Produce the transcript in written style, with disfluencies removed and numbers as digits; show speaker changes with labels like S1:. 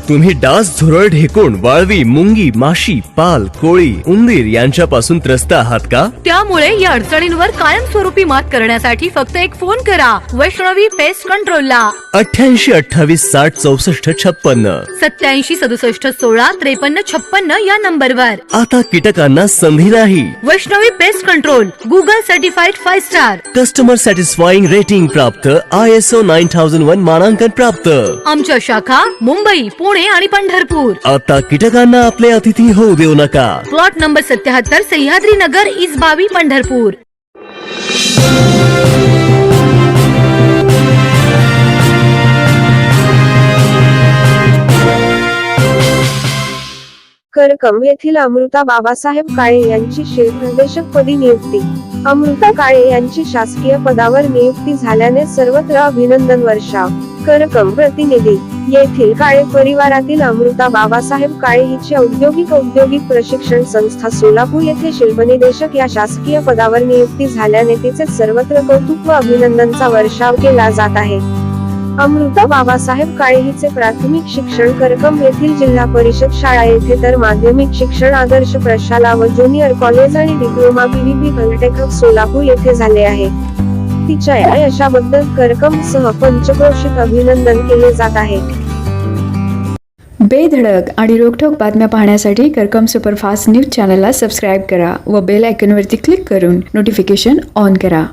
S1: तुम्ही डास, झुरळ, ढेकुण, वाळवी, मुंगी, माशी, पाल, कोळी, उंदीर यांच्यापासून त्रस्त आहात का?
S2: त्यामुळे या अडचणींवर कायमस्वरूपी मात करण्यासाठी फक्त एक फोन करा वैष्णवी पेस्ट कंट्रोलला
S1: 88 28 60 64 56.
S2: 87 67 16 53 56 या नंबरवर.
S1: आता कीटकांना संधी नाही.
S2: Vaishnavi pest control Google certified 5 star.
S1: Customer satisfying rating प्राप्त, ISO 9001 मानांकन प्राप्त.
S2: आमच्या शाखा मुंबई, पुणे आणि पंढरपूर.
S1: आता कीटकांना आपले अतिथी होऊ देऊ नका.
S2: Plot number 77 Sahyadri Nagar Isbavi Pandharpur.
S3: करकम येथील अमृता बाबासाहेब काळे यांची शिल्पनिदेशक पदी नियुक्ती. अमृता काळे यांची शासकीय पदावर नियुक्ती झाल्याने सर्वत्र अभिनंदन वर्षाव. करकम प्रतिनिधी येथील काळे परिवारातील अमृता बाबासाहेब काळे हिची औद्योगिक प्रशिक्षण संस्था सोलापूर येथे शिल्पनिदेशक या शासकीय पदावर नियुक्ती झाल्याने तिचे सर्वत्र कौतुक व अभिनंदनचा वर्षाव केला जात आहे. अमृता बाबासाहेब काळे हिचे प्राथमिक शिक्षण करकम येथील जिल्हा परिषद शाळा येथे तर माध्यमिक शिक्षण आदर्श प्रशाला व ज्युनियर कॉलेज आणि डिप्लोमा PVP पॉलिटेक्निक सोलापूर येथे झाले आहे. तिच्या या यशाबद्दल करकम सह पंचक्रोशीत अभिनंदन केले जात आहे.
S4: बेधडक आणि रोखठोक बातम्या पाहण्यासाठी करकम सुपरफास्ट न्यूज चॅनलला सबस्क्राईब करा व बेल आयकॉनवरती क्लिक करून नोटिफिकेशन ऑन करा.